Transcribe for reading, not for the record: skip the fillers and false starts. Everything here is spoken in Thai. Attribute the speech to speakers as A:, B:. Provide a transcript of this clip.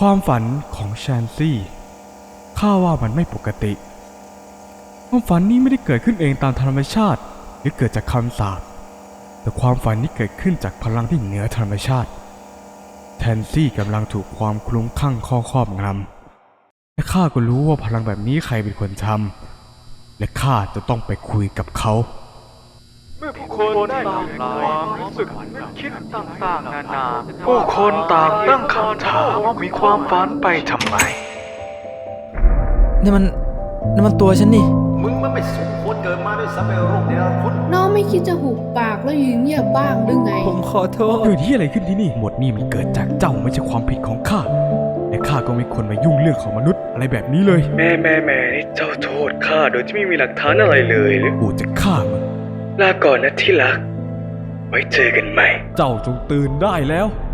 A: ความฝันของแชนซี่ข้าว่ามันไม่ปกติความฝันนี้ไม่ได้เกิดขึ้นเองตามธรรมชาติหรือเกิดจากคำสาปแต่ความฝันนี้เกิดขึ้นจากพลังที่เหนือธรรมชาติแชนซี่กำลังถูกความคลุ้มคลั่งครอบงำและข้าก็รู้ว่าพลังแบบนี้ใครเป็นคนทำและข้าจะต้องไปคุยกับเขา
B: เมื่อผู้คนได้หลั่งความรู้สึกนึกคิดต่างๆนานาผู้คนต่างตั้งคำถามว่ามีความฝันไปทำไม
C: นี่มันตัวฉันนี่
D: มึงมันไม่สมควรเกิดมาด้วยซ้ำไอ้โรคเนรคุณ
E: น้องไม่คิดจะหุบปากแล้วยืนเงียบบ้างหรือไง
C: ผมขอโทษ
A: เกิดที่อะไรขึ้นที่นี่หมดนี่มันเกิดจากเจ้าไม่ใช่ความผิดของข้าและข้าก็ไม่ควรมายุ่งเรื่องของมนุษย์อะไรแบบนี้เลย
B: แม่นี่เจ้าโทษข้าโดยที่ไม่มีหลักฐานอะไรเลยหรือ
A: กูจะฆ่ามึง
B: ลาก่อนนะที่รักไว้เจอกันใหม่
A: เจ้าจงตื่นได้แล้ว